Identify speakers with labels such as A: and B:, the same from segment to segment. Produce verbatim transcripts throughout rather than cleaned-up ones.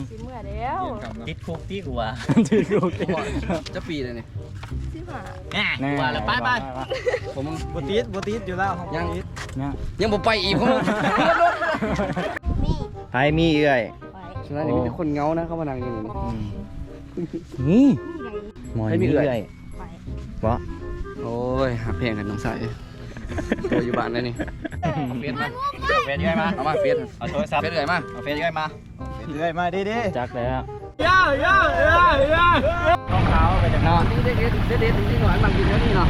A: สิเมื่อแล้ว
B: ติดคุกที่กูว่าติดคุก
C: จะปีเลยนี่
A: สิบห้า
B: แน่กูว่าแล้วไปไป
C: ผม
D: บติดบติดอยู่แล้ว
C: ยัง
D: ยัง
C: ยังบ่ไปอีกผม
A: นี่
B: ไปมีเอื่อย
C: ฉะนั้นนี่มีแต่คนเงานะเขามานั่งอยู่
B: นี่นี่หมอนมีเอื่อยเพราะ
C: โอ้ยหาเพลงกันน้องสายตัวอยู่บ้านเลยนี่เฟซมา
B: เฟซยังไงมา
C: เอามาเฟซ
B: เอาโทรศัพท์
C: เฟซเลยมา
B: เอาเฟซยังไงมา
D: เรื่อยมาดิดิ
B: จักแล้ว
D: ย่าย่าย่าย่าต้องเท้าไปจากนั้น
C: นี่เด็ดเด็ดเด็ดเด็ดที่หน่อยมันกินแล้วนี่เนาะ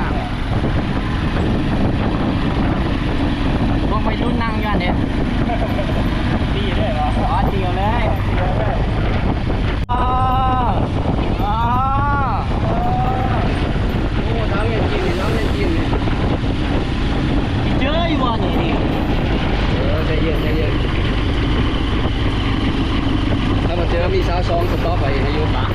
B: ลงไปรุ่นนั่งกันเนี่ยตีเลยเหรออ๋อเดียวเลยอ๋ออ๋อ
C: โอ้ท้าเล่นกินท้าเล่นกิน
B: เจออยู่วันนี้
C: เออใจเย็นใจเย็นถ้ามาเจอมีสาวซองสต๊อปไปให้ยุ่งปะ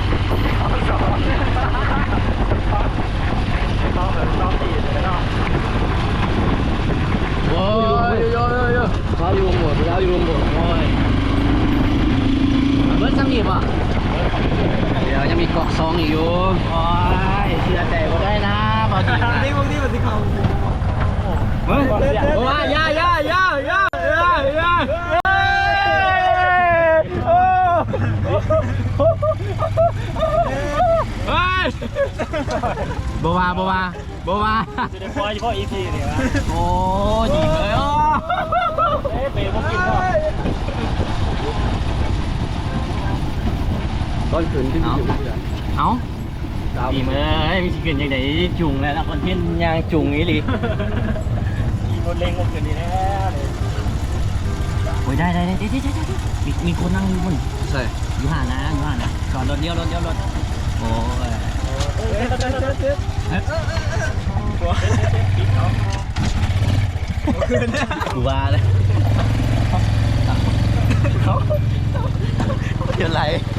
C: โอ้ยโยโยโยสาวอยู่รวมหมดสาวอยู่รวมหมดโอ้ยเบิร์ดซ้ำอีกป่ะเดี๋ยวยังมีกอกซองอีกอยู่
B: โอ้ยเชื่อใจก็ได้นะบอดี
D: นี่พวกนี้มันสิเขา
B: เฮ้ยว้าย่าย่าย่าย่าย่าย่าบัวบัวบัว
D: จะได้พอเฉพาะอีพีเนี่ยวะ
B: โอ้ยิงเลยอ๋อ
D: เอ๊ะเปย์พวกกินก็
C: ตอนขืนที่มีอยู่
B: เอาดีเมื่อมีสิ่งเกินอย่างไรจุงแล้วนะคนเที่ยนยางจุงนี้ลิ
D: มีคนเล่งก็เกินดีแล้วเลย
B: โอ้ยได้ได้ได้ได้ได้ได้มีมีคนนั่งอยู่บน
C: ใช่
B: อยู่ห่างนะอยู่ห่างนะก่อนรถเดียวรถเดียวรถโอ้ยกูว่าเลยเดี๋ยวไหล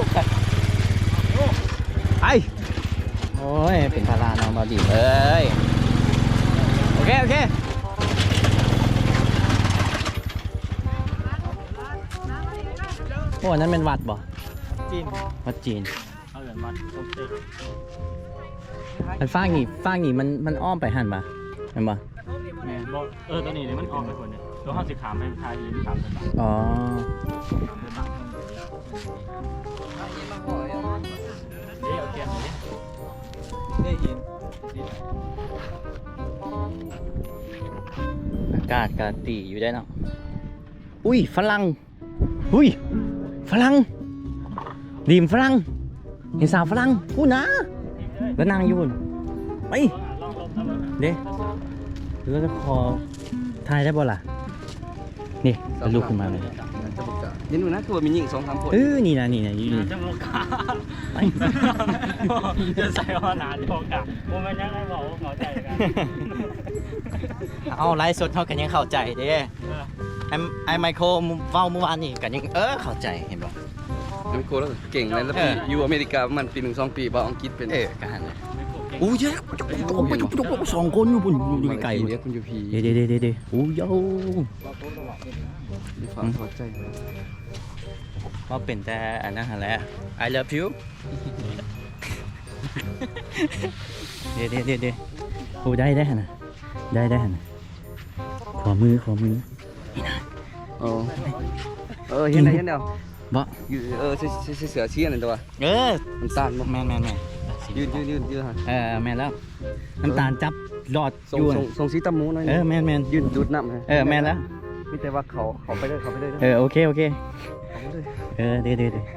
B: ไอโอ้ยเป็นพาราน้องมาดีเอ้ยโอเคโอเคโอ้นั่นเป็นวัดบ่
D: จีน
B: วัดจีน
D: เอาเหรียญวัดโอเค
B: มันฟางนี่ฟางนี่มันมันอ้อมไปหันปะเห็นปะ
D: แม่บอกเออตัวนี้เนี่ยมันออกไปคนเนี่ยตัวห้าสิบขามไปทายยินขามไปบ้าง
B: อ๋อ
D: เดี๋ยวเทียนเลยได้ยิน
B: อากาศการตีอยู่ได้เนาะอุ้ยฝรั่งอุ้ยฝรั่งดีมฝรั่งเห็นสาวฝรั่งพูดนะแล้วนางอยู่ไปเด้แล้วจะคอทายได้บ่ล่ะนี่จะลุกขึ้นมาเลย
C: ยินดูนะคือว่ามีหญิงสองสามคน
B: เออนี่นะนี่นะยืน
D: จะโมกาจะใส่ว่าหนาโมกาโมมันยังไงบอกหัวใจกัน
B: เอาไลฟ์สดเขากันยังเข้าใจเด้ไอไอไมโครเว้าเมื่อวานนี่กันยังเออเข้าใจเห็นบ่
C: ไอไมโครแล้วเก่งเลยแล้วอยู่อเมริกามันปีหนึ่งสองปีบ่อังกฤษเป็น
B: เออกันเลยอู้เยอะสองคนอยู่บนอยู่ไกลๆ
C: เดี๋ยวคุณยูพี
B: เดี๋ยวเดี๋ยวเดี๋ยวเดี๋ยวอู้ย
C: มีความพอใจ
B: ว่าเป็นแต่อันนั้นแหละ I love you เดี๋ยวเดี๋ยวเดี๋ยวเดี๋ยวโอ้ได้ได้นะได้ได้นะขอมือขอมือนี่นะ
C: เออเออเห็นไหมเห็นเดียว
B: บ่
C: เออเสือเสือเชี่ยนั่นตัว
B: เออ
C: น้ำตาลบ่
B: แม่แม่แม่
C: ยืนยืนยืนยืนฮะ
B: เออแม่แล้วน้ำตาลจับหลอด
C: อยู่ส่งสีตำมูหน่อย
B: เออแม่แม่
C: ยืนดูดน้ำฮะ
B: เออแม่แล้ว
C: มีแต่ว่าเขาเขาไปเลยเขาไปเลย
B: เออโอเคโอเคเออเดี๋ยวเดี๋ยวเดี๋ยว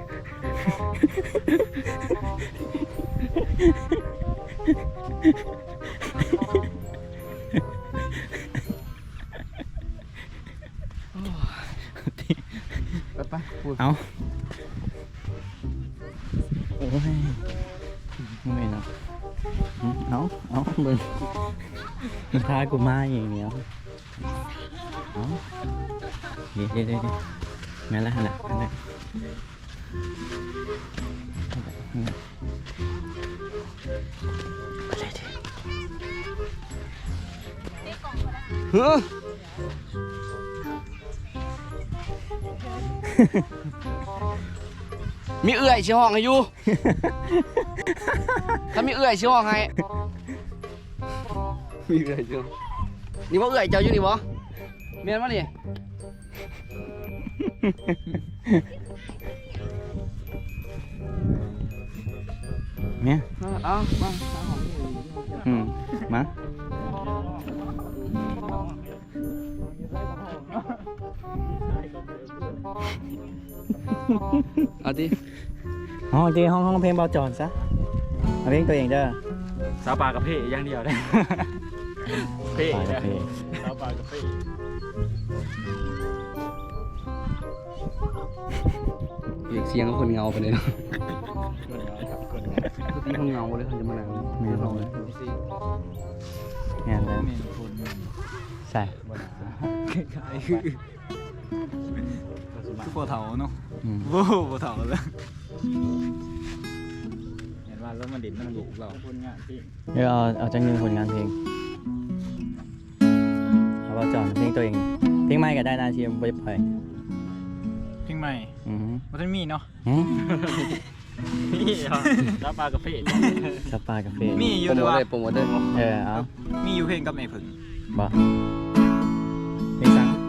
C: ไปพูด
B: เอาโอ้ยไม่เนาะเอาเอามึงมึงพากูมาอย่างเนี้ยเอาเดี๋ยวเดี๋ยวเดี๋ยวแม่ละหันละหันละไปเลยดิ
C: เฮ้อมีเอื้อยชิห้องให้อยู่ถ้ามีเอื้อยชิห้องให้มีเอื้อยชินี่ว่าเอื้อยเจ้าอยู่นี่บ่เมียนมานี่
B: เนี่ย
C: เอามา
B: อืมมา
C: เอาดิ
B: อ๋อจริงห้องห้องเพลงเบาจอนซะเอาเพลงตัวเองเด้อ
D: สาวปลากระเพาะอย่างเดียวได้เพ่
B: ปลากระ
D: นะ
B: เพ
D: สาวปลากระเพาะ
C: เรียกเสียงคนเงาไปเลยเนาะ
D: คนเงาครับคนเงา
C: ทุกทีคนเงาเลยเขาจะมานั่งไม่ลองเลย
B: งานแล้ว
D: เมนคน
B: ใส่
D: บนหาคล้ายๆคือคือปวดเถาเนาะ
B: อืม
D: โว้ปวดเถาเลยเห็นว่าแล้วมันดินมันดุเราคนงานที่
B: เดี๋ยวเอาเอาจังหนึ่งผลงานเพลงเอาเบาจอนเพลงตัวเองเพลงใหม่ก็ได้นะที่ไม่ได้ปล่อย
D: เพลงใหม่
B: อือฮึ
D: มันมีเนาะ
B: หืม
D: นี่เหรอสาวปลากระเพาะ
B: สปากาแฟ
D: มีอยู่
C: โปร
D: แต่ ว่า
C: โมทเลยโปรโมทเลย
B: เออเอา
D: มีอยู่เพลงกับไอ้ผึ่ง
B: บ่เพลงสัง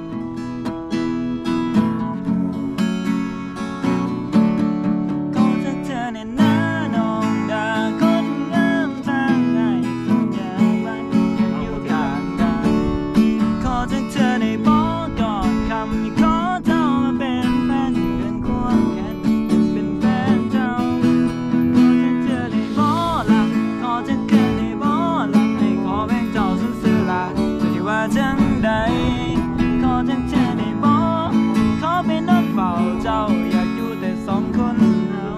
D: ก็จะเจอในหน้าน้องดาคนงามทางไงคนอย่างไรอยู่ทางใดขอจะเจอในบอกกอดคำที่ขอเจ้ามาเป็นแฟนที่เดินควงแขนเป็นแฟนเจ้าขอจะเจอในบ่หลังขอจะเกิดในบ่หลังให้ขอแบ่งเจ้าสุดเสือลาจะที่ว่าจังใดขอจะเจอในบ่ขอเป็นนกเฝ้าเจ้าอยากอยู่แต่สองคนเรา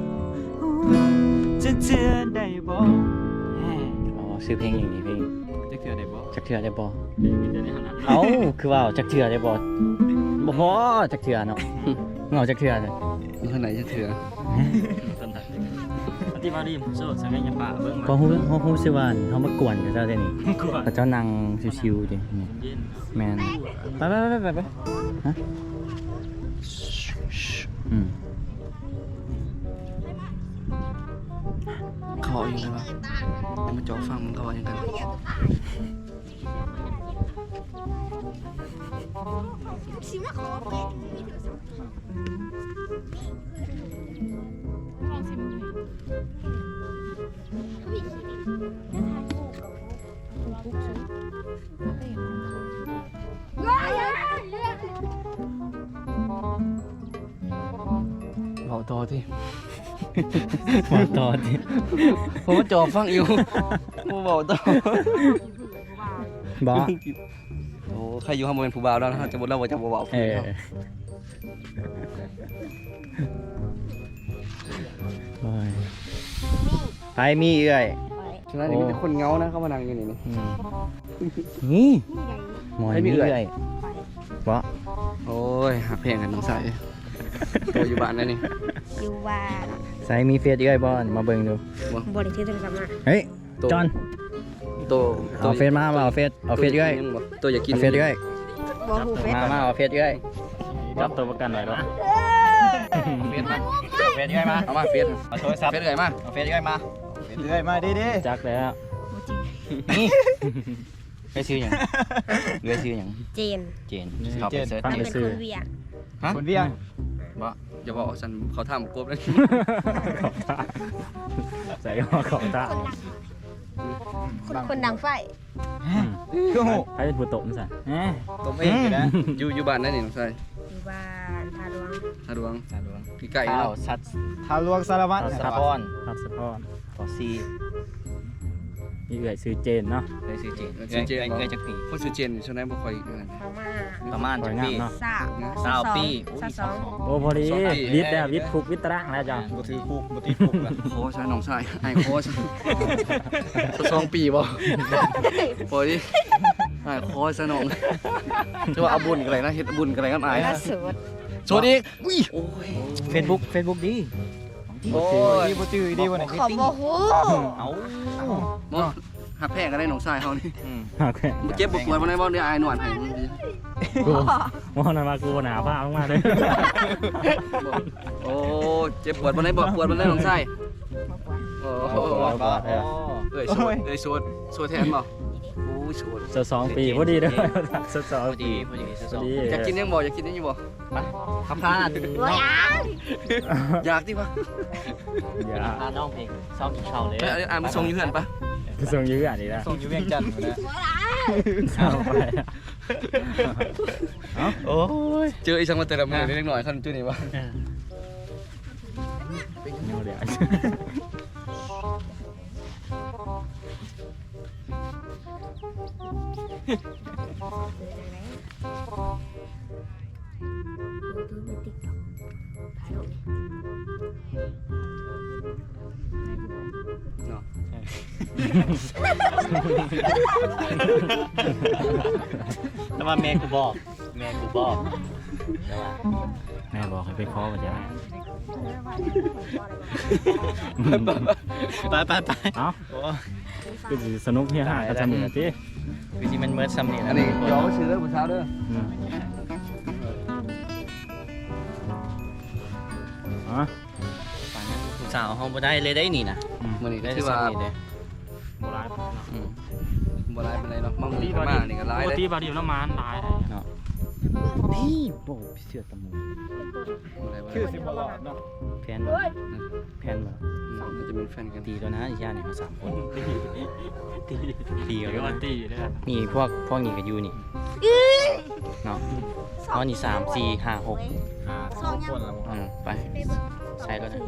D: จะเจอได้บ่
B: อ๋อซื้อเพลงอย่างนี้เพลง
D: จะเจอได้บ่
B: จักเทือได้บ่เอ้าคือว่าจักเทือได้บ่บ่พอจักเทือเนาะเหงาจักเทือเลย
C: มีคนไหนจะเถื่อ
D: ที่มาดีโซ่สังเกตยังป่าเบิ่ง
B: ก็ฮู้ฮู้ฮู้สิว่าเฮามากวนกับเจ้าเด้นี่
D: กลัว
B: พระเจ้านั่งชิวๆดินี่
D: เย็น
B: แม่นไปไปไปไปไปฮะอืม
C: เขาเอาอย่างไรวะเดี๋ยวมาจ่อฟังมันเขาเอาอย่างกัน
A: ชิมาขอเปิดมีโทรศัพท์ลองชิมดูวิธีนี้จะทานคู่กับปุ๊กซื้อว้ายเลือก
C: เอาต่อที่
B: มาต่อดิ
C: ผมมาจ่อฟังอยู่ผมบอกต่อ
B: บ่
C: โอ้ใครอยู่ข้างบนเป็นผู้บ่าวแล้วนะจะหมดแล้วว่าจะบ่าว
B: เออโอ้ยไปมีเอื้อย
C: ฉะนั้นนี่มีแต่คนเงานะเข้ามานั่งอยู่นี่นี่
B: อืมนี่
A: นี่ไง
B: หมอน
C: ให้มี
B: มี
C: เอื้
B: เอื้
C: อ
B: อย ยบ่
C: โอ้ยหักเพลงกันน้องสายตัวอยู่บ้านนั่นนี่
A: อยู่บ้าน
B: ใส่มีเฟซเอื้อยบ่มาเบิ่งดู
A: บริเทศโทรศัพท์มา
B: เฮ้ย
C: ตัว
B: จอน
C: ตัว
B: เอาเฟซมาบ่เอาเฟซเอาเฟซเอื้อย
C: ตัวอยากกิน
B: เอาเฟซเอื้อย
A: บอกหูเฟซ
B: มามาเอาเฟซเอื้อย
D: จับตัวประกันไว้แล้ว
C: เฟซมา
B: เฟซเอื้อยมา
C: เอามาเฟซ
B: เอาโทรศัพท์
C: เฟซเลยมา
B: เอาเฟซเอื้อยมา
D: เรื่อยมาดิๆจักแล้ว
B: นี่ไปซื้อหยังเอื้อยซื้อหยัง
A: เจน
B: เจนเขาไปเสิร์ช
A: มัน
B: เจ
A: เป็น น
B: ซื้
A: ค
B: อน
A: เวียด
C: ฮะ
D: คนเวียง
C: บ่อย่าบอกฉันเขาทำกบเลย
D: ใส่หัวเขาตา
A: คนคนดังไฟ
D: คือหูใครเป็นผู้ตบมันสั่นตบเองนะ
C: อยู่อยู่บ้านนั่นนี่น้องสาย
A: อยู่บ้านทาหลวง
C: ฮาดวง
B: สาดวง
C: พี่ไก่
B: ข้าว
C: เนาะ
B: ชัด
D: ทาลวงสารวัตร
B: สะพอน
D: ครับสะพอน
B: ขอซี
D: มีเอื่อยซื้อเจนเนาะ
B: เลยซื้อเจน
C: ซื้อเจน
B: เอื้อยเอื้อยจักปี
C: คนชื่อเจนช่วงนั้นบ่ค่อยนั่น
A: พม่า
B: ประมาณจักปี
D: เนาะ
A: สาว
B: สาวปี
A: สาวสอง
D: โอ้พอดี
C: สองปี
D: วิทย์แล้ววิทย์คุกวิทย์ตารางแล้วจ้ะ
B: บ่ถือคุกบ่ติดคุกล่ะ
C: โคชน้องชายไอ้โคชสองปีบ่พอดีไอ้โคชน้องจะว่าเอาบุญกันอะไรนะเฮ็ดบุญกันอะไรกันอาย
A: ล่าสุด
C: สวัสดีอุ้ย
B: เฟซบุ๊กเฟซบุ๊กดี
C: โอ้ย
D: ดีบ่จื้อดีบ่ไหน
A: ขอบอกหู
B: เอา
C: มอหหักแพงก็ได้น้องชายเฮานี่
B: โอเค
C: เจ็บบ่ปวดบ่ได้บ่ได้อายหนวดให้
B: กูมองนั่นมากูหนาผ้ามากๆเลย
C: โอ้เจ็บปวดบ่ได้บ่ปวดบ่ได้น้องชายโอ้โหเอ้ยโสดเอ้ยโสดโสดแทนบ่โอ้ยโสด
B: จะสองปีพอดีเลยจะสอง
C: พอดีพอดี
B: พอดี
C: อยากกินยังบ่อยากกินยังอยู่บ่ไปคำพาด
A: โอ้ยอ่ะ
C: อยากดิวะ
B: อย่า
C: พาน้องเพลงซ้อมกินข้าวเลยเอ้ยอ่ะมาส่งอยู่เฮือนปะ
B: จะส่งยื้ออันนี้นะ
C: ส่งอยู่เวียงจันทร์นะ
B: เอาไปเอา
C: โอ้ยเจออีสังมาเตะละมือนิดหน่อยคันจุนี่วะ
B: เอาเดี๋ยว
C: เนาะ
E: แล้วมาแม่กูบอก แม่กูบอกแต่ว่า
B: แม่บอกให้ไปเคาะมาจะ
E: ไปไปไป
B: เอาคือสิสนุกเฮียฮะก็จะมีนะที่
E: คือที่มันเมิร์ดซัมนี่
C: อั
E: นะ
C: นนี้เดี๋ยวซื้อเด้อผู้สาวเด้อ
B: อืมอ๋อ
E: ผู้สาวห้องบ่ได้เลยได้นี่นะ
C: มื้อนี้ก็
E: ได้
C: ถือว่า
E: ซัมนี่เด้
B: โบราณ
E: อืม
C: บ่หลายปานใดเนาะมามื้อนี้มานี่ก็หลาย
B: ปก
C: เด้
B: ติบาดีน้ำมันหลาย
E: เนาะ
B: พี่โบพี่เสือตะมู
C: ชื่อสิ
B: บลอดเนาะ
E: แพนบ่แพนบ่
C: น่าจะเป็นแฟนกัน
E: ตีแล้วนะอีชาเนี่ยมาสามคนตีตี
B: เดี๋
E: กั
B: ย
E: น
B: ว
E: แล้ว
B: ตีเลย
E: นี่พวกพวกนี้ก็อยู่นี่เนาะอ๋อนี่สามสี่ห้าหก
A: สองคนละ
E: อืมไปใช้แล้วนะ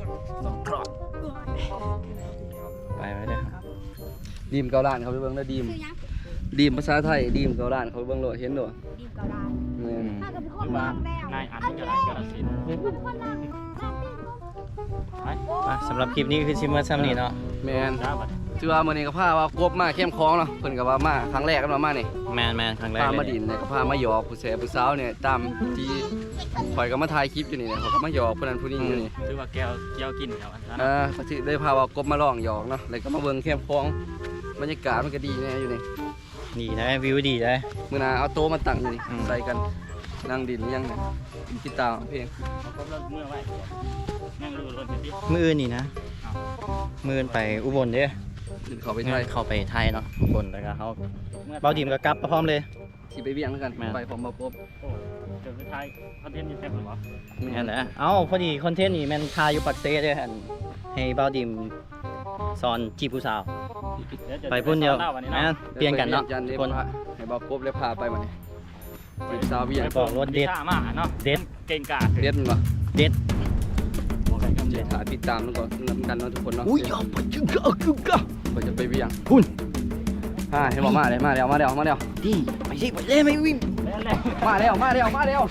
E: ไปไว้เด้อครับ
C: ดีมเกาล้านเขาไปเบิ่งแล้วดีม
A: คือยัง
C: ดีมภาษาไทยดีมเกาล้านเขาไปเบิ่งโลดเห็นโลด
A: ดีเกาลา
C: แม่น
A: ถ้ากับคนมองแล้ว
B: นายอันนี้ก็ได้กระสิน
A: คนนั่ง
B: ไป
E: อ่ะสำหรับคลิปนี้คือชิมเมอร์ซัมนี่เนาะ
C: แม่น
B: จ้าบัด
C: ถือว่ามื้อนี้ก็พาว่ากบมาเข้มคลองเนาะเพิ่นก็ว่ามาครั้งแรกกันว่ามานี่
E: แมนแมนครั้งแรก
C: พา
E: เลย
C: มาดินเนี่ยก็พามาหยอกผู้แสบผู้สาวเนี่ยตามที่ข่อยก็มาถ่ายคลิปอยู่นี่เนี่ยเขาก็มาหยอกผู้นั้นผู้นี้อยู่นี่
B: ถือว่าแก้วแก้วกินครับอันนั้น
C: เออก็สิได้พาว่ากบมาลองหยอกเนาะแล้วก็มาเบิ่งเข้มคลองบรรยากาศมันก็ดีแน่อยู่นี่
E: ดีนะวิวดีเลย
C: มื้อหน้าเอาโต๊ะมาตั้งอยู่นี่
E: อืม
C: ใส่กันนั่งดินยังเนี่ยกีตาร์เพลง
B: เขาก็เลิกเมื่อไว้นั่งดูรถไปที่
E: มืออื่นนี่นะมืออื่นไปอุบลเด้อ
C: ขึ้นเขาไป
E: ไป
C: ไทย
E: เข้าไปไทยเนาะอุบลแล้วก็เขาเบาดีมก็กลับมาพร้อมเลย
C: สิไปเวียงแล้วกัน
E: แม่น
C: ไปพร้อมบ่กบ
B: เดี๋ยวไปไทยคอนเทนต์นี่แซ่บหรือเปล่า
E: นั่นแหละเอ้าพอดีคอนเทนต์นี่แมันทายอยู่ปักเซ่เด้อหั่นให้เบาดีมสอนจีบผู้สาว ไปพุ่นเดียวแม่นเปลี่ยนกันเนาะ
C: จันทร์
E: ทุ
C: นี้
E: กคน
C: พาให้บ่กบเลยพาไปมานี่จีบสาวเวียง
E: ไปบอกรถเด็ด
B: มาเนาะ
E: เด็ด
B: เก่งกาจ
C: เด็ดมันบ่
E: เด็ด
C: เดี๋ยวถ่ายติดตามแล้วก็นำกันเนาะทุกคนเนาะ
E: อุ้ยเอาไปจึงก็กึกก็
C: ก็จะไปเวียง
E: พุ่น
C: อ่าเห็นบอกมาเลยมาแล้วมาแล้วมาแล้ว
E: ดีไปสิไปเลยไม่วิ่ง
C: มาแล้วมาแล้วมาแล้ว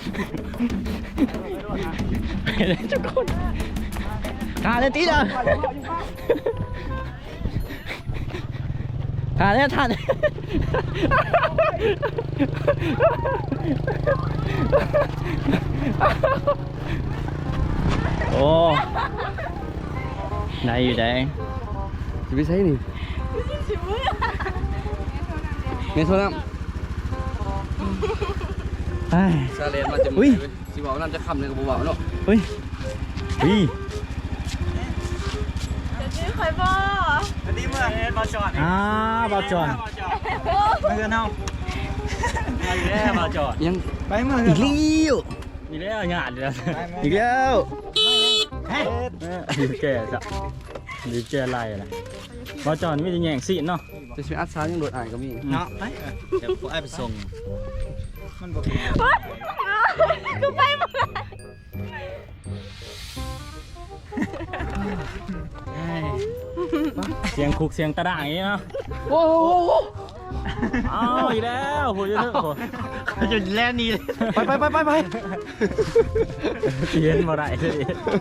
E: ไปเลยทุกคนขาเลยตีนะขาเลยท่านโอ้ไหนอยู่ไหน
C: จะไปใช้นี่เมโซน้
E: ไอ้
C: ำซาเลนมาจะ
E: อุ้ย
C: สิบอกน้ำจะคำเลยกับบัวเนาะ
E: เฮ้ยเฮ้ย
A: ชื่อคอยบ่
B: อันนี้เมื่อเอ็นมาจอด
E: อ่าบอลจอน
B: เมื่อเนาะไปแล้วมาจอด
C: ยัง
B: ไปเมื่อ
E: อีกแล้ว
B: มีแล้วงานเลย
E: อีกแล้ว
B: ดีแก่จ้ะดีแก่ไรล่ะมาจอดไม่ได้แย่งซีนเนาะ
C: จะช่วยอัดซ้ายยังโดดอ่านก็มี
E: เนาะไปเดี๋ยวผมไอ้ไปส่ง
A: กูไปหมด
B: เสียงคุกเสียงตะด่างอย่างนี้เนาะ
C: โอ้โห
B: อ้าวอีกแล้วโหจะเถอะโห
E: เขาจะแล่นนี่เลย
C: ไปไปไปไปไป
B: เสียนมาได้เลย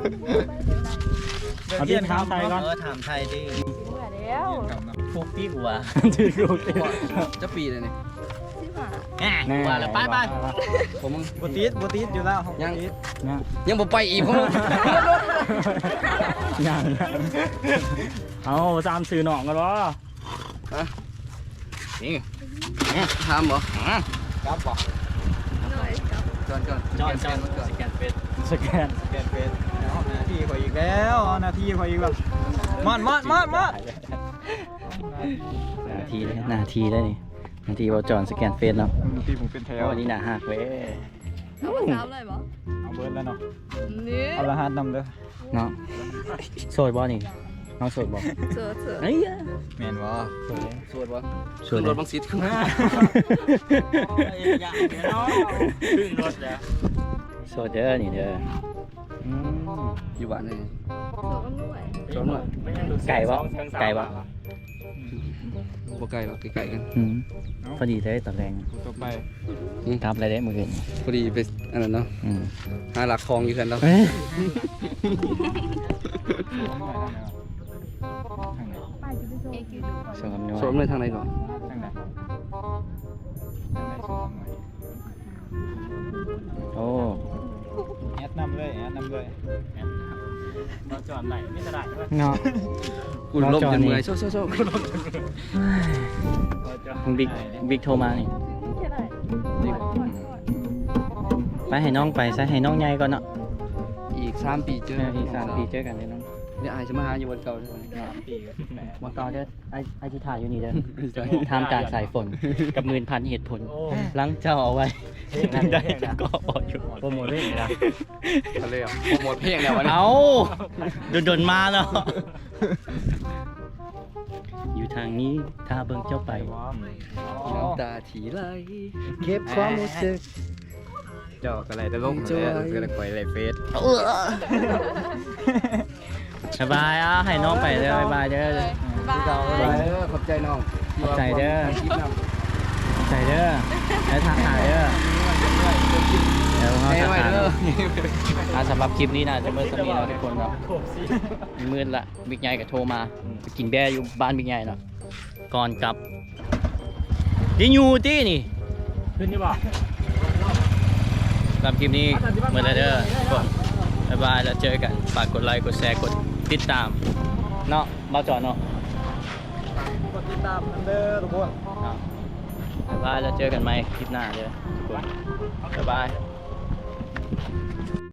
B: เอาที่เท้าไทยก่อน
E: เออถามไทยดิ
A: แล้ว
E: พวกพี่หัว
B: ถือกูเตะ
C: จะปีเลยนี่
E: แหมหัวแล้วไปไป
C: ผมมึง
F: บติดบติดอยู่แล้ว
C: ยัง
B: เนี่ย
C: ยังบ่ไปอีกผม
B: ยังเอาสามสื่อหนองกันวะ
C: ฮะนี่ทำบ่
E: ครับบอก
C: จอนจอน
E: จอนจอนสแกนเฟซสแกน
D: แกนเป็นเอาหน้าที่ข่อยอีกแล้วเอาหน้าที่ข่อยอีกแล้วมอดมอดมอดมอด
B: นาทีเลยนาทีได้นี่นาทีว่าจอนสแกนเฟซเนาะ
D: ที่ผมเป็นแถว
B: โอ้นี่หนาหักเว้ย
A: เอาไปสามเลยบ่
D: เอาเบิร์ดแล้วเนาะ
A: นี่
D: เอาละหัดนำเด้อ
B: เนาะโสดบ่นี่น้องโสดบ่
A: เสือเสือ
B: เฮ้ย
D: แม่นบ่
C: สวดบ่
B: โสด
C: รถบังซิดขึ้น
E: ขึ้นรถแล้ว
B: โสดเด้อนี่เด้ออืม
C: อยู่บ้านเลย
A: เสือกันด้วย
C: จอนบ่
B: ไก่บ่ไก่บ่
C: บ่ไกลหรอกไกลๆกัน
B: อืมพอดีเลยตอนแรง
D: ต่อไป
B: ทับอะไรได้มืออื่น
C: พอดีไปอันนั้นเนาะ
B: อืม
C: หาหลักคลองอยู่กันแล้ว
B: เอ้ย
D: ทางไหน
A: ไปจะไปส่งเอคิวดูก่อน
B: สมนว
C: สวมเลยทางไหนก่อน
D: ทางไหนทางไหนส่งหน่อย
B: โอ้
D: แอดนำเลยแอดนำเลย
E: เราจอดไหนไม่จะได้ใช่ไหม
B: เนาะ
C: กูล้มจนเมื่อยโซ่โซ่โซ่
B: คุณบิ๊กบิ๊กโทรมานี่
A: แค่ไหน
B: ไปให้น้องไปซะให้น้องใหญ่ก่อนเนาะ
C: อีกสามปีเจอ
B: เอออีกสามปีเจอกันเลยน้อง
C: เนี่ยอายจะมาหาอยู่วันเก่าเลย
B: วันก่อนเด้อไอไอที่ถ่ายอยู่นี่เด้อทำการสายฝนกับหมื่นพันเหตุผลหลังเจ้าเอาไว้นั่นได้ก็ออกอยู่
E: โปรโมทได้นะ
C: ทะเลอ่ะหมดเพลงแล้ววันนี้
B: เอาโดนๆมาเนาะอยู่ทางนี้ถ้าเบิ่งเจ้าไป
C: น้ำตาถีไหลเก็บความรู้สึก
D: เจ้าอะไรจะลง
C: จอย
D: เสือข่อยไรเฟส
B: สบายอ่ะให้น้องไปเด้อบายเด้อ
A: บาย
C: เด้อขอบใจน้อง
B: ขอบใจเด้อ ขอบใจเด้อแล้วทางหายเด้อเดี๋ยวเขา
C: เฮ้ย
B: จะ
C: ไว้
B: หา
C: เด้อ
B: อ่ะสำหรับคลิปนี้นะจะเมื่อสักนี้เราทุกคนเนาะมีมืดละบิ๊กใหญ่ก็โทรมาไปกินแบร์อยู่บ้านบิ๊กใหญ่เนาะก่อนกลับดิยูตี้นี่
E: ขึ้นนี่บ่
B: สำหรับคลิปนี้เมื่อไรเด้อทุกคนบ๊ายบายแล้วเจอกันฝากกดไลค์กดแชร์กดติดตามเนาะมาจอดเนาะ
D: กดติดตามนำเด้อทุกคน
B: บ๊ายบายแล้วเจอกันใหม่คลิปหน้าเด้อทุกคนบ๊ายบาย